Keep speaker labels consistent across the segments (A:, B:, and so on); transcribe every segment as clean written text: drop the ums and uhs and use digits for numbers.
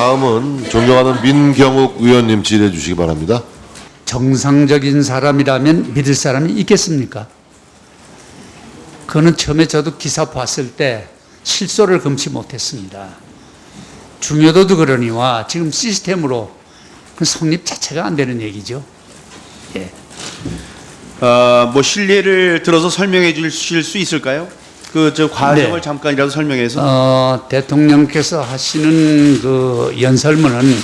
A: 다음은 존경하는 민경욱 의원님 질의해 주시기 바랍니다.
B: 정상적인 사람이라면 믿을 사람이 있겠습니까? 그거는 처음에 저도 기사 봤을 때 실소를 금치 못했습니다. 중요도도 그러니와 지금 시스템으로 그 성립 자체가 안 되는 얘기죠. 예.
C: 뭐 실례를 들어서 설명해 주실 수 있을까요? 그 저 과정을
B: 네.
C: 잠깐이라도 설명해서.
B: 대통령께서 하시는 그 연설문은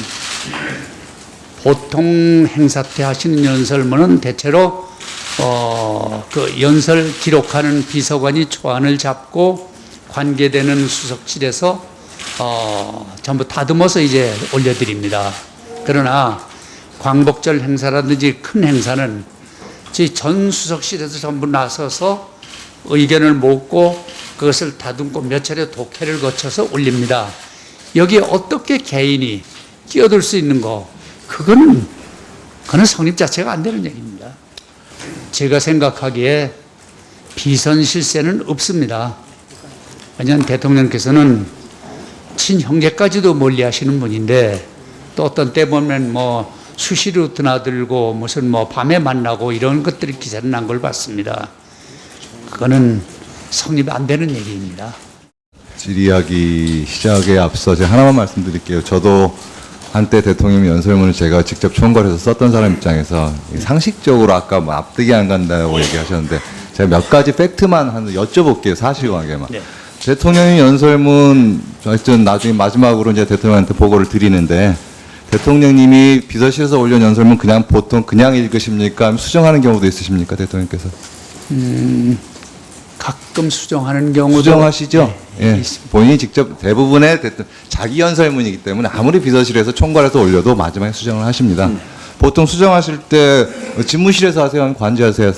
B: 보통 행사 때 하시는 연설문은 대체로 그 연설 기록하는 비서관이 초안을 잡고 관계되는 수석실에서 전부 다듬어서 이제 올려드립니다. 그러나 광복절 행사라든지 큰 행사는 저희 전 수석실에서 전부 나서서 의견을 묻고 그것을 다듬고 몇 차례 독해를 거쳐서 올립니다. 여기에 어떻게 개인이 끼어들 수 있는 거, 그거는 성립 자체가 안 되는 얘기입니다. 제가 생각하기에 비선 실세는 없습니다. 왜냐하면 대통령께서는 친형제까지도 멀리 하시는 분인데 또 어떤 때 보면 뭐 수시로 드나들고 무슨 뭐 밤에 만나고 이런 것들이 기사를 난 걸 봤습니다. 그거는 성립 안 되는 얘기입니다.
D: 질의하기 시작에 앞서 제가 하나만 말씀드릴게요. 저도 한때 대통령 연설문을 제가 직접 총괄해서 썼던 사람 입장에서 상식적으로 아까 뭐 앞뒤기 안 간다고 얘기하셨는데 제가 몇 가지 팩트만 여쭤볼게요. 사실관계만.
B: 네.
D: 대통령의 연설문 하여튼 나중에 마지막으로 이제 대통령한테 보고를 드리는데 대통령님이 비서실에서 올린 연설문 그냥 보통 그냥 읽으십니까? 수정하는 경우도 있으십니까? 대통령께서?
B: 가끔 수정하는 경우도
D: 수정하시죠?
B: 네,
D: 예.
B: 있습니다.
D: 본인이 직접 대부분의 자기 연설문이기 때문에 아무리 비서실에서 총괄해서 올려도 마지막에 수정을 하십니다. 보통 수정하실 때 집무실에서 하세요? 아니면 관제하세요?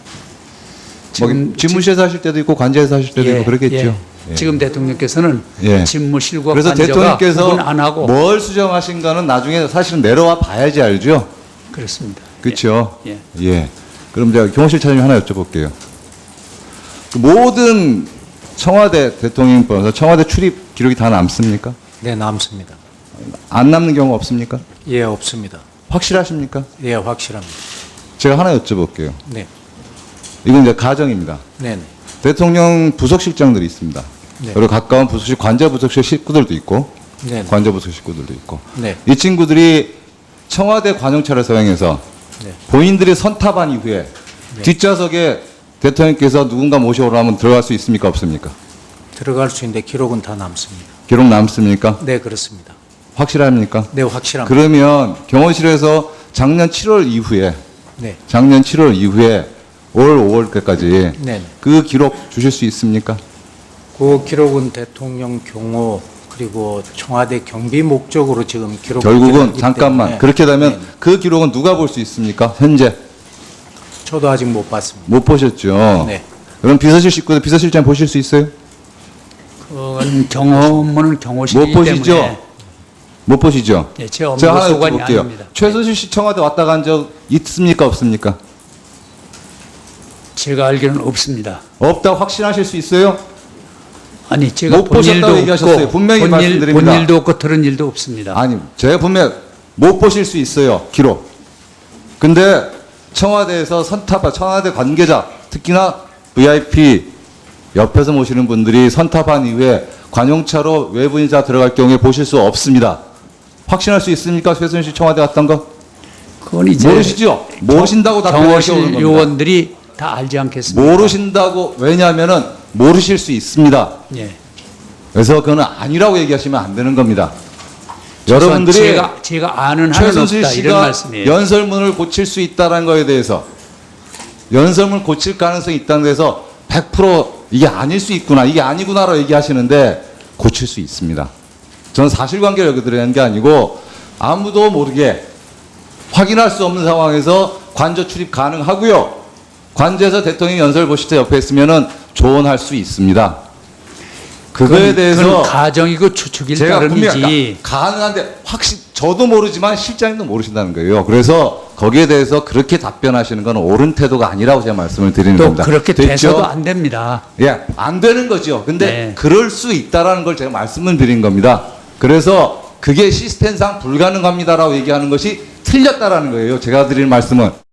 D: 집무실에서 하실 때도 있고 관제에서 하실 때도 있고 그렇겠죠. 예.
B: 지금 대통령께서는
D: 예.
B: 집무실과
D: 그래서
B: 관저가
D: 대통령께서
B: 구분 안 하고
D: 뭘 수정하신가는 나중에 사실은 내려와 봐야지 알죠.
B: 그렇습니다.
D: 그렇죠.
B: 예.
D: 예. 그럼 제가 경호실 차장님 하나 여쭤볼게요. 그 모든 청와대 대통령 포함해서 청와대 출입 기록이 다 남습니까?
E: 네, 남습니다.
D: 안 남는 경우 없습니까?
E: 예, 없습니다.
D: 확실하십니까?
E: 예, 확실합니다.
D: 제가 하나 여쭤볼게요.
E: 네,
D: 이건 이제 가정입니다.
E: 네, 네.
D: 대통령 부속실장들이 있습니다.
E: 네.
D: 그리고 가까운 부속실, 관저 부속실 식구들도 있고,
E: 네, 네.
D: 관저 부속실 식구들도 있고.
E: 네.
D: 이 친구들이 청와대 관용차를 사용해서
E: 네.
D: 본인들이 선탑한 이후에
E: 네.
D: 뒷좌석에 대통령께서 누군가 모셔오라면 들어갈 수 있습니까? 없습니까?
E: 들어갈 수 있는데 기록은 다 남습니다.
D: 기록 남습니까?
E: 네, 그렇습니다.
D: 확실합니까?
E: 네, 확실합니다.
D: 그러면 경호실에서 작년 7월 이후에
E: 네,
D: 작년 7월 이후에 올 5월까지
E: 네, 네.
D: 그 기록 주실 수 있습니까?
E: 그 기록은 대통령 경호 그리고 청와대 경비 목적으로 지금 기록.
D: 결국은 잠깐만 그렇게 되면
E: 네.
D: 그 기록은 누가 볼 수 있습니까? 현재
E: 저도 아직 못 봤습니다.
D: 못 보셨죠.
E: 네.
D: 그럼 비서실 식구들 비서실장 보실 수 있어요?
B: 그건 경호문은 경호실이기
D: 못 보시죠?
B: 때문에
D: 못 보시죠?
B: 예, 제 업무
D: 제가 하나
B: 소관이
D: 여쭤볼게요.
B: 아닙니다.
D: 최순실 씨 청와대 왔다 간 적 있습니까? 없습니까?
B: 제가 알기로는 없습니다.
D: 없다 확신하실 수 있어요?
B: 아니 제가
D: 못
B: 본 일도
D: 보셨다고 얘기하셨어요.
B: 없고
D: 분명히 말씀드립니다.
B: 본 일도 없고 들은 일도 없습니다.
D: 아니, 제가 분명 못 보실 수 있어요. 기록. 근데 청와대에서 선탑한 청와대 관계자, 특히나 VIP 옆에서 모시는 분들이 선탑한 이후에 관용차로 외부인자 들어갈 경우에 보실 수 없습니다. 확신할 수 있습니까? 최순실 청와대 갔던 거?
B: 그건 이제
D: 모르시죠? 모르신다고 답변하기 어려운
B: 경호실
D: 겁니다.
B: 요원들이 다 알지 않겠습니까?
D: 모르신다고, 왜냐하면은 모르실 수 있습니다.
B: 예.
D: 그래서 그거는 아니라고 얘기하시면 안 되는 겁니다.
B: 최소한
D: 여러분들이
B: 제가 아는 한은
D: 최순실
B: 없다 이런
D: 씨가
B: 말씀이에요.
D: 연설문을 고칠 수 있다는 거에 대해서 연설문을 고칠 가능성이 있다는 데서 100% 이게 아닐 수 있구나, 이게 아니구나라고 얘기하시는데 고칠 수 있습니다. 저는 사실관계를 여기 드리는 게 아니고 아무도 모르게 확인할 수 없는 상황에서 관저 출입 가능하고요. 관저에서 대통령 연설 보실 때 옆에 있으면은 조언할 수 있습니다. 그거에 대해서
B: 그건 가정이고 추측일
D: 제가 분명히
B: 따름이지.
D: 가능한데 저도 모르지만 실장님도 모르신다는 거예요. 그래서 거기에 대해서 그렇게 답변하시는 건 옳은 태도가 아니라고 제가 말씀을 드리는
B: 또
D: 겁니다.
B: 그렇게
D: 됐죠?
B: 돼서도 안 됩니다.
D: 예, 안 되는 거죠. 근데
B: 네.
D: 그럴 수 있다라는 걸 제가 말씀을 드린 겁니다. 그래서 그게 시스템상 불가능합니다라고 얘기하는 것이 틀렸다라는 거예요. 제가 드리는 말씀은.